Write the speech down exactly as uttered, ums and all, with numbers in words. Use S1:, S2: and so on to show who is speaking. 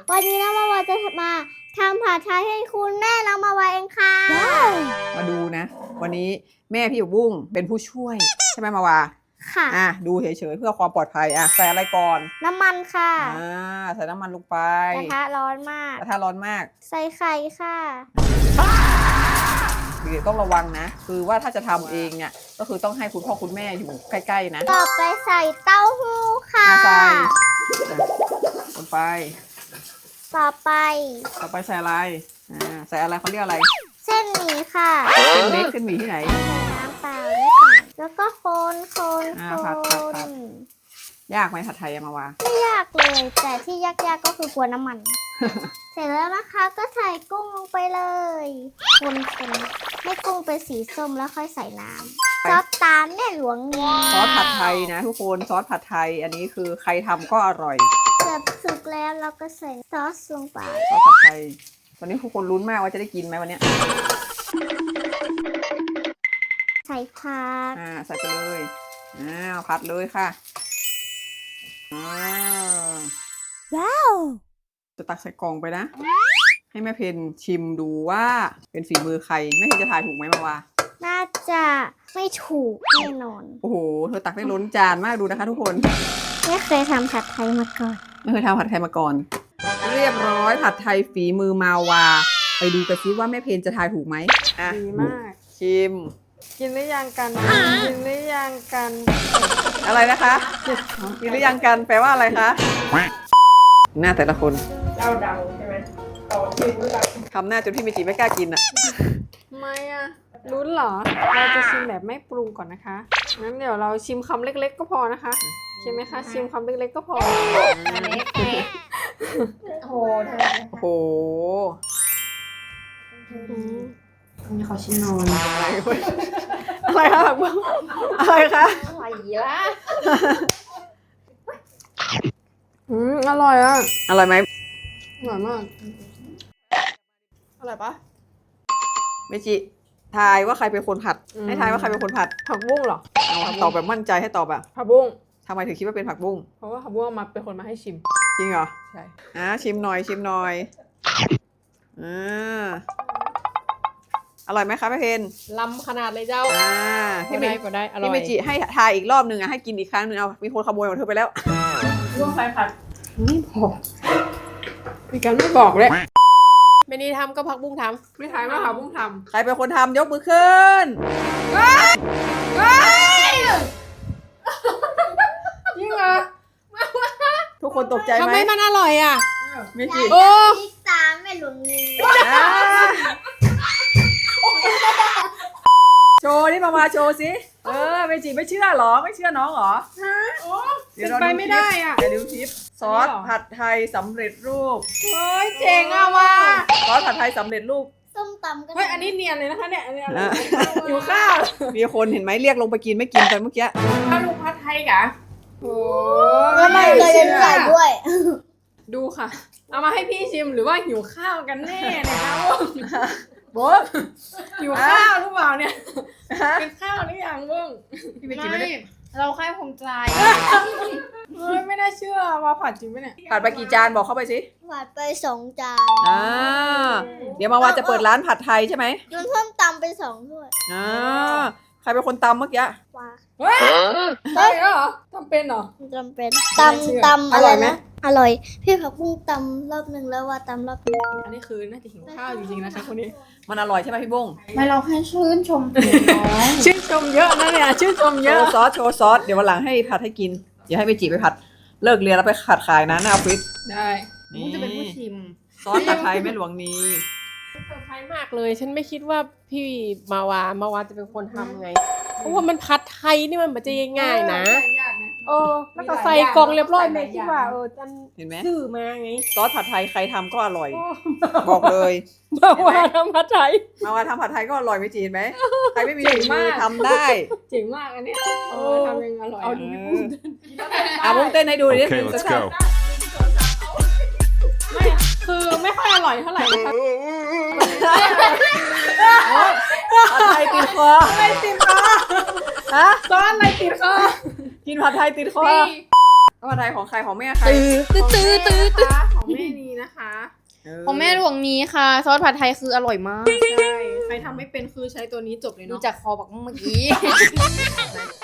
S1: วันนี้น้องมาวาจะมาทำผัดไทยให้คุณแม่น้องมาวาเองค่ะ
S2: มาดูนะวันนี้แม่พี่บุ้งเป็นผู้ช่วยใช่ไหมมาวา
S1: ค่ะ
S2: อ่ะดูเฉยๆเพื่อความปลอดภัยอ่ะใส่อะไรก่อน
S1: น้ำมันค่ะ
S2: อ่าใส่น้ำมันลงไป
S1: กระทะร้อนมาก
S2: กระทะร้อนมาก
S1: ใส่ไข่ค่ะ
S2: เด็กๆต้องระวังนะคือว่าถ้าจะทำเองเนี่ยก็คือต้องให้คุณพ่อคุณแม่อยู่ใกล้ๆนะ
S1: ต่อไปใส่เต้าหู้ค่ะ
S2: ใส่ลงไป
S1: ต่อไป
S2: ต่อไปใส่อะไรอ่าใส่อะไรเขาเรียกอะไร
S1: เส้นหมี่ค่ะ
S2: เส้นเล็กเส้นหมี่ที่ไหน
S1: น้ำเปล่านิดหน่อยแล้วก็คนคนคน
S2: ยากไหมผัดไทยมาวา
S1: ไม่ยากเลยแต่ที่ยากๆก็คือกลัวน้ำมัน เสร็จแล้วนะคะก็ใส่กุ้งลงไปเลยคนคนให้กุ้งเป็นสีส้มแล้วค่อยใส่น้ำซอสตามแม่หลวงนี่
S2: ซอสผัดไทยนะทุกคนซอสผัดไทยอันนี้คือใครทำก็อร่อย
S1: เสร็จสุกแล้วเราก็ใส่ซอสลงไป
S2: ซอสผัดไทยตอนนี้ทุกคนลุ้นมากว่าจะได้กินไหมวันนี้
S1: ใส่ผัก
S2: อ่าใส่ไปเลยอ้าวผัดเลยค่ะอ้าว
S1: ว้าว
S2: จะตักใส่กล่องไปนะให้แม่เพนชิมดูว่าเป็นฝีมือใครแม่เพนจะทายถูกไหมมาวา
S1: น่าจะไม่ถูกแน่นอน
S2: โอ้โหเธอตักได้ล้นจานมากดูนะคะทุกคน
S1: ไม่เคยทำผัดไทยมาก่อน
S2: ไม่เคยทำผัดไทยมาก่อนเรียบร้อยผัดไทยฝีมือมาวาไปดูกันซิว่าแม่เพนจะทายถูกไหม
S3: ดีมาก
S2: ชิม
S3: กินหรือยังกันกินหรือยังกัน
S2: อะไรนะคะกินหรือยังกันแปลว่าอะไรคะหน้าแต่ละคน
S3: เจ้าดังใช่ไหมต่อชิมหรือยัง
S2: ทำหน้าจนพี่เมจิไม่กล้ากินอ่ะ
S3: ทำไมอ่ะรู้เหรอเราจะชิมแบบไม่ปรุงก่อนนะคะงั้นเดี๋ยวเราชิมคำเล็กๆก็พอนะคะใช่ไหมคะชิมคำเล็กๆก็พอ
S1: โอ้โห
S2: โอ้โห
S3: นี่เขาชิมนอน
S2: อะไรอะไรคะแบบอะไรคะ
S1: อะไรล่ะ
S3: อืมอร่อยอ่ะ
S2: อร่อยไหม
S3: อร่อยมากอร่อยปะ
S2: เมจิทายว่าใครเป็นคนผัดให้ทายว่าใครเป็นคนผัด
S3: ผักบุ้งเหรอ
S2: ตอบแบบมั่นใจให้ตอบแบบ
S3: ผักบุ้ง
S2: ทำไมถึงคิดว่าเป็นผักบุ้ง
S3: เพราะว่าผักบุ้งมาเป็นคนมาให้ชิม
S2: จริงเหรอ
S3: ใช่
S2: อ่ะชิมหน่อยชิมหน่อยอ่าอร่อยไหมคะแม่เพน
S3: ล้ำขนาดเลยเจ้า
S2: อ่า
S3: พี่เมจิก็ได้อร่อย
S2: พี่เมจิให้ทายอีกรอบหนึ่งอ่ะให้กินอีกครั้งหนึ่งเอามีคนขโมยของเธอไปแล้ว
S3: ร่วงไฟผัดไม่บอกมีการไม่บอกเลยเมนีทำก็ผักบุ้งทำไม่ทายว่าผักบุ้งทำ
S2: ใครเป็นคนทำยกมือขึ้น
S3: จริงเหรอ
S2: ทุกคนตกใจไหม
S3: ทำไมมันอร่อยอ่ะ
S2: เมจิ
S3: โอ้
S1: พริกตามแม่หลวงนี่
S2: โชว์นี่มามาโชว์สิเออเมจิไม่เชื่อหรอไม่เชื่อน้องหรอ
S3: เป็นไปไม่ได้อ่ะ
S2: เดี๋ยวดูคลิปซอสผัดไทยสำเร็จรูป
S3: เฮ้ยเจ๋งอ่ะว่ะ
S2: ซอสผัดไทยสำเร็จรูป
S1: ส้มตำกัน
S3: เฮ้ยอันนี้เนียนเลยนะคะเนี่ยอันนี้อยู่ข้าว
S2: มีคนเห็นไหมเรียกลงไปกินไม่กินกันเมื่อกี้
S3: ข้าวลูกผัดไทยกะโอ้
S1: แล้วไม่เคยเป็นใส่ด้วย
S3: ดูค่ะเอามาให้พี่ชิมหรือว่าหิวข้าวกันแน่เนี่ยคะ
S2: โบ๊ะ
S3: หิวข้าวหรือเปล่าเนี่ยเป็นข้าวหรือยังบ้ง
S2: พี่เมจิไม่ได้
S3: เราแค่ภูมิใจเฮ้ยไม่ได้เชื่อว่าผัดจริงไหมเนี่ย
S2: ผัดไปกี่จานบอกเข้าไปสิ
S1: ผัดไปสองจาน
S2: อ่าเดี๋ยวมาวาจะเปิดร้านผัดไทยใช่ไหม
S1: โยนเพิ่มตำไปสองด้วย
S2: อ่าใครเป็นคนตำเมื่อกี้
S1: ว้า
S3: เฮ้ยใช่เหรอทำเป็นเหรอ
S1: จำเป็นตำตำอะไรนะอร่อยพี่ผักบุ้งตำรอบหนึ่งแล้วว่าตำรอบนึง
S3: อันนี้คือน่าจะหิวข้าวจริงๆนะคะคนนี้
S2: มันอร่อยใช่ไหมพี่บุ้ง
S1: ไม่เราแค่ชื่นชม
S3: ชื่นชมเยอะนะเนี่ยชื่นชมเยอะ
S2: โชว์ซอสโชว์ซอสเดี๋ยววันหลังให้ผัดให้กินอย่าให้ไปจีบไปผัดเลิกเรียนแล้วไปขัดขายนะหน้าออฟฟิศ
S3: ได้นี่จะเป็นผู้ชิม
S2: ซอสผัดไทยแม่หลวงนี
S3: เซอร์ไพรส์มากเลยฉันไม่คิดว่าพี่มาวามาวาจะเป็นคนทำไงเพราะว่ามันผัดไทยนี่มันไม่จะง่ายๆนะเออแล้วก็ใส่กล่องเรียบร้อยแม่คิดว่าเออจันซื้อมาไง
S2: ซอสผัดไทยใครทำก็อร่อยบอกเลย
S3: มาวาทำผัดไทย
S2: มาวาทำผัดไทยก็อร่อยไม่จีนไหมใครไม่มีฝีมือทำได้
S3: เจ๋งมากอันนี้เออทำยังอร่อย
S2: เอาดูอ่ะมุ้งเต้นให้ดูดิ
S4: Okay, let's go
S3: ไม่คือไม่ค่อยอร่อยเท่าไหร่นะคะ
S2: ผัดไทยติดคอ
S3: อะไรติดคอ
S2: ฮะ
S3: ซอสอะไรติดคอ
S2: กินผัดไทยติดคอผัดไทยของใครของแม่ใคร
S3: ตื้อตื้อตื้อตื้อของแม่นีนะนะคะ
S2: เออ
S4: ของแม่หลวงนี้ค่ะ ซอสผัดไทยคืออร่อยมาก
S3: ใช่ใครทำไม่เป็นคือใช้ตัวนี้จบเลย
S4: ดู
S3: เนาะ
S4: จากคอบักเมื่อกี้
S3: ไหน